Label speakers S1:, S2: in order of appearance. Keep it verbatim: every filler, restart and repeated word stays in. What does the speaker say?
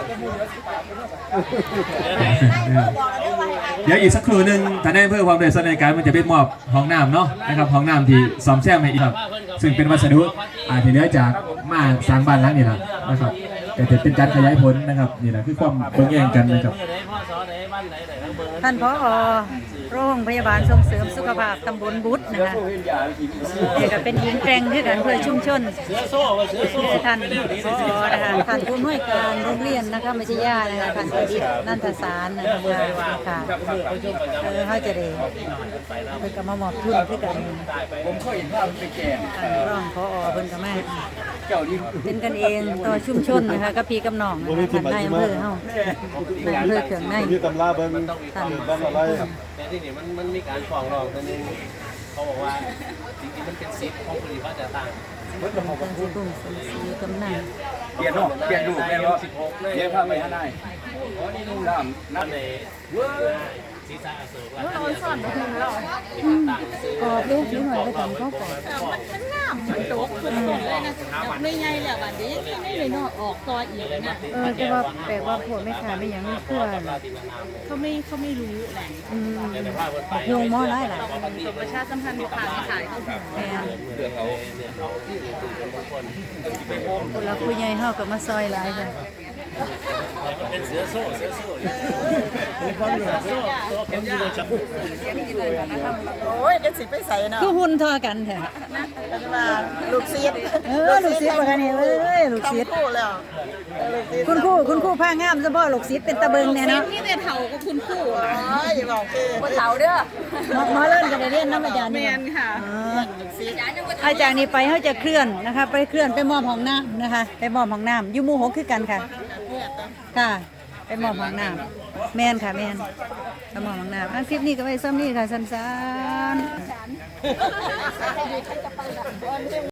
S1: เดี๋ยวอีกสักครู่หนึ่งท่านนายอำเภอความเดือดร้อนในการมันจะไปมอบห้องน้ำเนาะนะครับห้องน้ำที่ซ่อมแซมให้อีกครับซึ่งเป็นวัสดุอาที่เหลือจากมาสร้างบ้านหลังนี้นะนะครับแต่จะเป็นการขยายผลนะครับนี่แหละคือความเบิ่งแย่งกันนะครับ
S2: ท่านผอ.โรงพยาบาลส่งเสริมสุขภาพตำบลบุตรนะคะเด็กก็เป็นหญิงแกร่งด้วยกันเพื่อชุมชนท่านผอ.นะคะท่านผู้อำนวยการโรงเรียนนะคะไม่ใช่ญาตินะคะท่านประดิษฐ์นันทสารนะคะค่ะเออเขาจะได้เพื่อกับมามอบทุนด้วยกันผมเคยเห็นภาพเป็นแก่ท่านรองผอ.เพิ่นก็มาเป็นกันเองต่อชุมชนนะคะกับพี่กับน้องนะคะท่านนายอำเภอเฮานายอำเภอเขื่องใน
S3: ที่ตำราเบิ้งท่านบ้านอะไร
S4: แต่ที่นี่มันมันมีการฟ้องร้องตัวนึงเขาบอกว่าจริงๆมันเป็นสิทธิ์ของผู้ที่เขาจะตั้ง
S2: เพิ่นจะพูดตรงสีกำนัน
S3: เปลี่ยนเนาะเปลี่ยนดูเปลี่ยนว่าเปลี่ยนภาพไปข้างในอ๋อนี่นุ่งน้ำน้ำใน
S4: ศีรษะอโศก
S2: แล้วเราสอนมาถึงเรากอบลูกนิดหน่อยก็ทำเขาก่อน
S5: มันงามมันตกขึ้นเลยนะไม่ใหญ่แล้วบัดนี้ไม่เลยเนาะออกตัวอีกนะ
S2: เออแต่ว่าแปลว่าพวกไม่ขายไม่ยังไม่คั่ว
S5: เขาไม่เขาไม่รู้แหละ
S2: อืมโยงมอไรหลาย
S5: ประชาสัมพันธ์ผ่านขายเขา
S2: แม่คนละผู้ใหญ่เฮากับมาซอยหลายจ้ะ
S4: เป็นเสือโซ่เสือโซ่ความเหนือโซ่ตัวคนอยู่ในจับ
S5: โอ้ยกันสิไปใส่เนาะ
S2: คือหุ่นทอกันแท้
S5: มาลูกศิษย์
S2: เออลูกศิษย์ว่ากันนี่เอ้ยลูกศิษย์
S5: คู่แล้ว
S2: คุณครูคุณครูผ้างามเฉพาะลูกศิษย์เป็นตะเบิงเนี่ยเนาะ
S5: นี่แต่เฒ่าก็คุณครูอ๋ออย่าบอกคือบ่เฒ่าเด้อ
S2: หมอเล่นกันได้เรียนนำอาจารย์
S5: แม่นค่ะ
S2: อาจารย์นี่ไปเฮาจะเคลื่อนนะคะไปเคลื่อนไปมอบห้องน้ำนะคะไปมอบห้องน้ำอยู่หมู่หกคือกันค่ะค่ะไปมอบห้องน้ำแม่นค่ะแม่นไปมอบห้องน้ำอันคลิปนี้ก็ไว้ซ้ำนี่ค่ะสั้นๆ